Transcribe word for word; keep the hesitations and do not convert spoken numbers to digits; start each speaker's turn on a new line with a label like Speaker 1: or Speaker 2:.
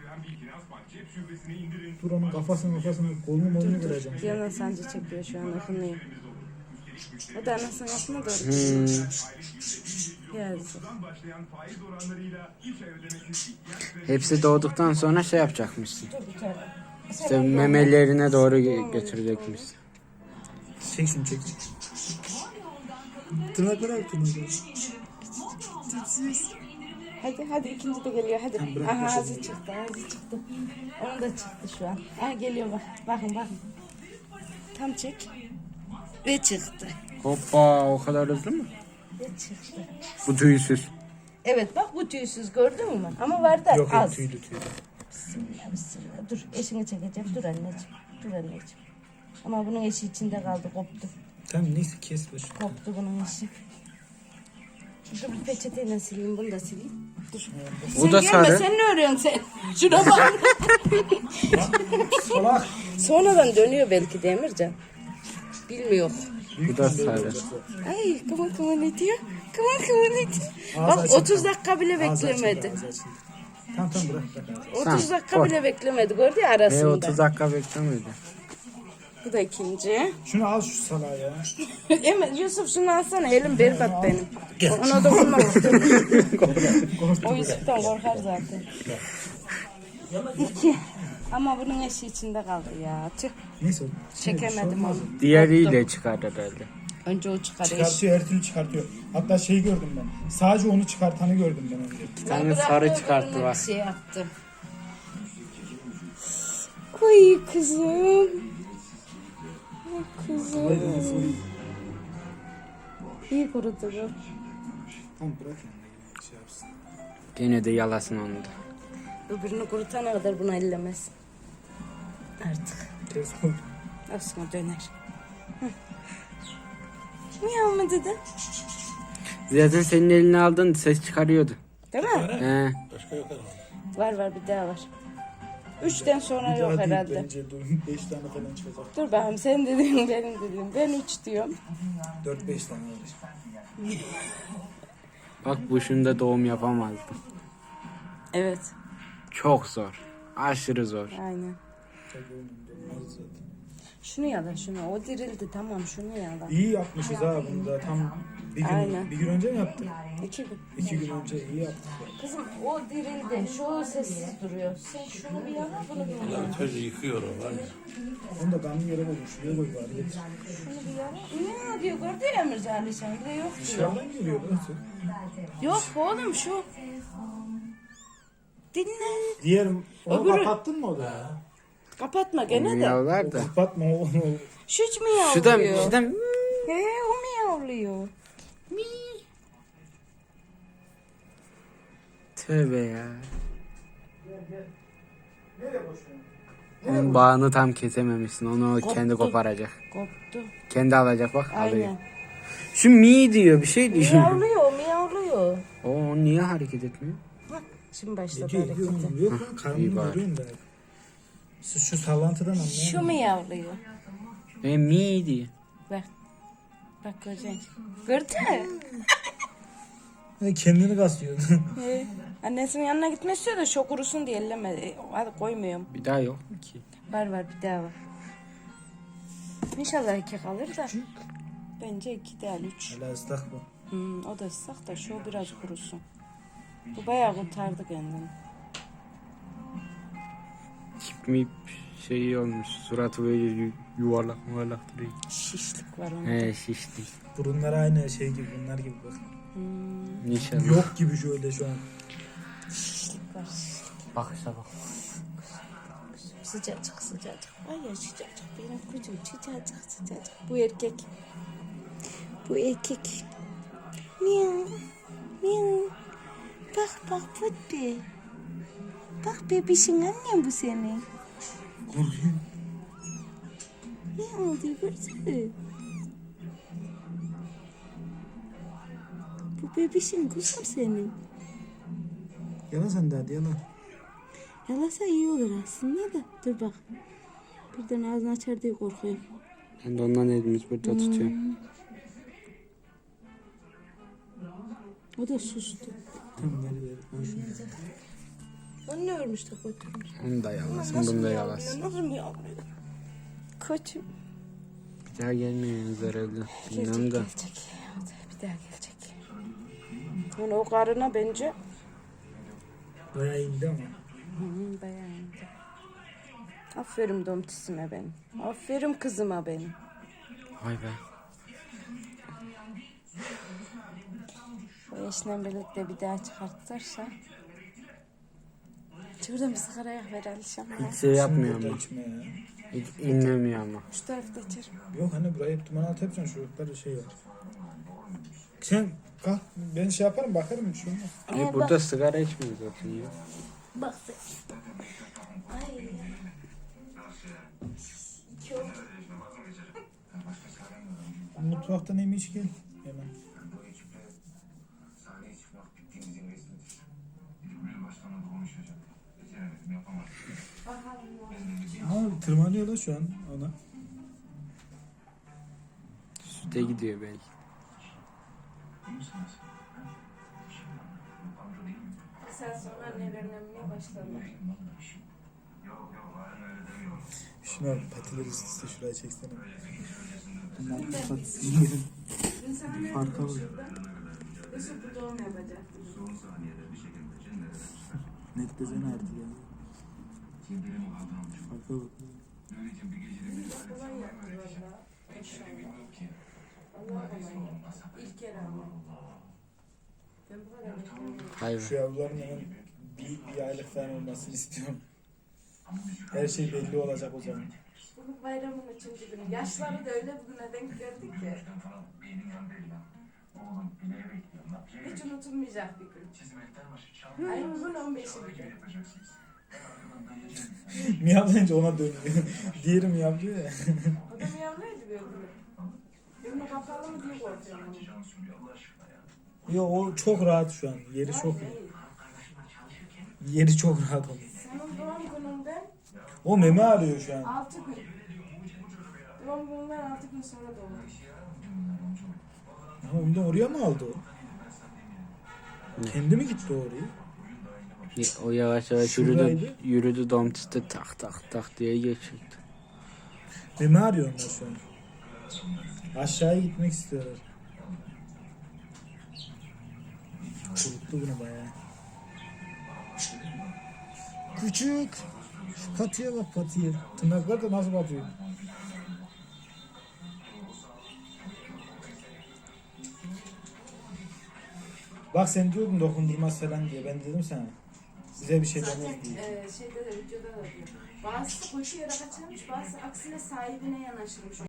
Speaker 1: Dur onun kafasını kafasını kolunu molunu kıracağım.
Speaker 2: Yana sancı çekiyor şu an akınlıyor. O da anasının altına doğru.
Speaker 3: Hmm.
Speaker 2: Yazık.
Speaker 3: Hepsi doğduktan sonra şey yapacakmışsın.
Speaker 2: Dur bir tane.
Speaker 3: İşte memelerine doğru götürecekmiş.
Speaker 1: Çek şunu çek. Tırnakları al tırnakları.
Speaker 2: Hadi hadi ikinci de geliyor hadi.
Speaker 1: Tamam, bırak,
Speaker 2: Aha
Speaker 1: başla.
Speaker 2: ağzı çıktı ağzı çıktı. Onun da çıktı şu an. Ha geliyor bak. Bakın bakın. Tam çek. Ve çıktı.
Speaker 3: Hoppa, o kadar hızlı mı?
Speaker 2: Ve çıktı.
Speaker 3: Bu tüysüz.
Speaker 2: Evet bak bu tüysüz gördün mü? Ama var da
Speaker 1: Yok
Speaker 2: az.
Speaker 1: yok tüylü tüylü.
Speaker 2: Bismillah bismillah. Dur eşini çekeceğim. Dur anneciğim. Dur anneciğim. Ama bunun eşi içinde kaldı koptu.
Speaker 1: Tamam neyse kes başı.
Speaker 2: Koptu bunun eşi. Dur bir peçeteyle sileyim bunu da sileyim. Dur.
Speaker 3: Bu
Speaker 2: Sen
Speaker 3: da
Speaker 2: gelme,
Speaker 3: sarı.
Speaker 2: sen ne örüyorsun sen? Şuna bak.
Speaker 1: Salak.
Speaker 2: Sonradan dönüyor belki de Emircan. Bilmiyor.
Speaker 3: Bu da sarı.
Speaker 2: Ay kıvır kıvır ne diyor? Kıvır kıvır ne diyor?
Speaker 1: Ağzı
Speaker 2: Bak
Speaker 1: açık
Speaker 2: otuz
Speaker 1: kaldı.
Speaker 2: dakika bile
Speaker 1: Ağzı açıldı,
Speaker 2: beklemedi.
Speaker 1: ağzı açıldı. Tamam tamam bırak bırak. ağzı.
Speaker 2: otuz
Speaker 3: Tamam,
Speaker 2: dakika
Speaker 3: koy.
Speaker 2: bile beklemedi gördü ya
Speaker 3: E
Speaker 2: arasında.
Speaker 3: otuz dakika beklemedi.
Speaker 2: Bu da ikinci.
Speaker 1: Şunu al şu salağı ya.
Speaker 2: Emir Yusuf şunu alsana elim berbat benim. Ona dokunmak istemiyorum. O Yusuf'tan korkar zaten. İki. Ama bunun eşi içinde kaldı ya. Tüh.
Speaker 1: Neyse.
Speaker 2: Çekemedim onu.
Speaker 3: Diğeriyle çıkar herhalde.
Speaker 2: Önce o çıkar eş.
Speaker 1: Çıkartıyor her türlü çıkartıyor. Hatta şeyi gördüm ben. Sadece onu çıkartanı gördüm ben önce.
Speaker 3: Bir tane sarı çıkarttı bak.
Speaker 2: Şey yaptı. Oy kızım. Ay kızım. İyi kurudu bu.
Speaker 1: Tamam bırak yani. Şey yapsın.
Speaker 3: Gene de yalasın onu da.
Speaker 2: Öbürünü kurutana kadar bunu ellemez. Artık.
Speaker 1: Kes oldu.
Speaker 2: Aslında döner. Hı. Miyav mı dedi?
Speaker 3: Zaten senin eline aldın ses çıkarıyordu.
Speaker 2: Değil mi?
Speaker 3: He.
Speaker 2: Var var bir daha var. Üçten sonra
Speaker 1: Bir
Speaker 2: yok
Speaker 1: daha değil
Speaker 2: herhalde.
Speaker 1: bence. Dur beş tane falan çıkacak.
Speaker 2: Dur bakayım sen dediğin benim dediğim. Ben üç diyorum.
Speaker 1: Dört beş tane olacak.
Speaker 3: Bak bu şunda doğum yapamazdı.
Speaker 2: Evet.
Speaker 3: Çok zor. Aşırı zor.
Speaker 2: Aynen.
Speaker 1: Tabii oğlum, olmaz zaten.
Speaker 2: Şunu yala şunu. O dirildi tamam şunu yala.
Speaker 1: İyi yapmışız ha bunu da tam bir gün,
Speaker 2: Aynen.
Speaker 1: bir gün önce mi yaptık?
Speaker 2: İki gün.
Speaker 1: İki gün önce iyi yaptık.
Speaker 2: Kızım o dirildi. Şu sessiz duruyor. Sen şunu bir yala bunu bir yala.
Speaker 4: Çocuğu yıkıyor o var ya.
Speaker 1: Onu da kanlı yere koydum. Şuraya koy bari. Getir.
Speaker 2: Şunu bir yala. Ne diyor gördü ya Emircan Alişan. Bir de yok diyor.
Speaker 1: Dışarıdan geliyor burası.
Speaker 2: Yok oğlum şu. Dinle.
Speaker 1: Diğer onu
Speaker 2: Öbürü-
Speaker 1: kapattın mı o da?
Speaker 2: Kapatma gene de.
Speaker 3: Miyavlar da.
Speaker 1: Kapatma o. o-
Speaker 2: Şu hiç miyavlıyor.
Speaker 3: Şu da, şu da
Speaker 2: He o miyavlıyor. Mi.
Speaker 3: tövbe ya. Onun bağını tam kesememişsin. Onu o kendi koparacak.
Speaker 2: Koptu.
Speaker 3: Kendi alacak bak alıyor.
Speaker 2: Aynen.
Speaker 3: Şu mi diyor bir şey diyor.
Speaker 2: Miyavlıyor miyavlıyor.
Speaker 3: O niye hareket etmiyor?
Speaker 2: Bak şimdi başladı
Speaker 1: Gidiyor, gidiyor
Speaker 2: harekete.
Speaker 1: oğlum. Yok lan
Speaker 3: iyi
Speaker 1: karnını
Speaker 3: bari.
Speaker 1: görüyorum ben. Şu, şu sallantıdan anlayamıyorum.
Speaker 2: Şu miyavlıyor.
Speaker 3: E mi diyor.
Speaker 2: Bak. Bak göreceksin. Gördün mü?
Speaker 1: Ha, kendini kaslıyor.
Speaker 2: He. Annesinin yanına gitmek istiyor da şok kurusun diye elleme. Hadi koymuyorum.
Speaker 3: Bir daha yok mu ki?
Speaker 2: Var var bir daha var. İnşallah iki kalır da. Bence iki değil üç.
Speaker 1: Hala ıslak bu.
Speaker 2: Hmm, o da ıslak da şu biraz kurusun. Bu bayağı kurtardı kendini.
Speaker 3: Tip mi şey olmuş. Suratı böyle yu- yuvarlak yuvarlak duruyor.
Speaker 2: Şişlik var onda.
Speaker 3: He şişti.
Speaker 1: Burunlar aynı şey gibi bunlar gibi bak.
Speaker 2: Hmm,
Speaker 3: İnşallah.
Speaker 1: Yok gibi şöyle şu an.
Speaker 2: şişlik var.
Speaker 3: Bakışa bak.
Speaker 2: Sıcacık sıcacık. Ay ya sıcacık benim kucum sıcacık sıcacık. Bu erkek. Bu erkek. Miyav. Miyav. Bak bak Putbi. Bak bebişin annem bu senin.
Speaker 1: Korkuyor.
Speaker 2: Ne oldu görsene. Bu bebişin kuzum senin.
Speaker 1: Yalan sen de hadi yalan.
Speaker 2: Yalasa iyi olur aslında da. Dur bak. Birden ağzını açar diye korkuyorum.
Speaker 3: Ben de ondan elimiz burada tutuyorum.
Speaker 2: O da sustu.
Speaker 1: Tamam ver ver. Ben şunu.
Speaker 2: O ne ölmüş de götürmüş.
Speaker 3: Onu da yalasın, bunu da yalasın.
Speaker 2: Nasıl mı yavruyor? Kötü.
Speaker 3: Bir daha gelmiyorsunuz herhalde.
Speaker 2: Gelecek,
Speaker 3: Bilmem de.
Speaker 2: gelecek. Hadi bir daha gelecek. Yani o karına bence
Speaker 1: Bayağı indi ama.
Speaker 2: hı, bayağı iyiydi. Aferin domtisime benim. Aferin kızıma benim.
Speaker 3: Vay be.
Speaker 2: O eşle birlikte bir daha çıkartırsa. Şuradan bir sigara yak ver Alişan.
Speaker 3: Hiç şey yapmıyor
Speaker 1: Burada
Speaker 3: ama.
Speaker 1: içme ya.
Speaker 3: Hiç inlemiyor ama.
Speaker 2: Şu tarafta içerim.
Speaker 1: Yok hani burayı hep duman altı yapacaksın. Çocuklarda şey var. Sen kalk ben şey yaparım bakarım. Şu olmaz.
Speaker 3: E, burada sigara içmiyor zaten ya.
Speaker 2: Bak sen. Ay. Çok.
Speaker 1: Mutfaktan emin iç gel. Hemen. Ama tırmanıyor da şu an ona.
Speaker 3: Süte gidiyor belki.
Speaker 2: Sen sonra nelerlenmeye başladın.
Speaker 1: Şuna bak, patileri üst üste şuraya çeksene. Bunlar patisini yerim. Farka bak.
Speaker 2: Yusuf bu doğum yapacaktı.
Speaker 1: Netlesene artık ya. Farka bak.
Speaker 2: Kolay yaptı valla. İnşallah. Allah kolay yaptı. İlk kere ama. Ben bu kadar beklemiyorum.
Speaker 3: Hayır.
Speaker 1: Şu yavruların hemen bir, bir aylık falan olmasını istiyorum. Her şey belli olacak o zaman.
Speaker 2: Bugün bayramın üçüncü günü. Yaşları da öyle bugüne denk geldik ki. Hiç unutulmayacak bir gün. Ay bugün on beşi bir gün.
Speaker 1: Miyavlayınca ona dönüyor. Diğeri miyavlıyor ya.
Speaker 2: O da miyavlaydı bir öbürü. Önüne kapalı mı diye korkuyorum onu.
Speaker 1: Yo o çok rahat şu an. Yeri çok iyi. Yeri çok rahat onun.
Speaker 2: Senin doğum gününden
Speaker 1: O meme arıyor şu an.
Speaker 2: altı gün. Doğum gününden altı gün sonra doğum.
Speaker 1: Ama ondan oraya mı aldı o?
Speaker 3: Ne?
Speaker 1: Kendi mi gitti oraya?
Speaker 3: O yavaş yavaş
Speaker 1: Şuradaydı.
Speaker 3: yürüdü. Yürüdü domtiste tak tak tak diye geçirdi.
Speaker 1: Meme arıyor onlar şu an. Aşağıya gitmek istiyorlar. Kuruttu bunu bayağı. Küçük. Şu patiye bak patiye. Tırnaklar da nasıl batıyor. Bak sen diyordun dokundurmaz falan diye. Ben dedim sana. Size bir şey
Speaker 2: Zaten
Speaker 1: demez diye.
Speaker 2: e, şeyde de videoda da diyor. Bazısı koşuyarak açarmış, bazısı aksine sahibine yanaşırmış.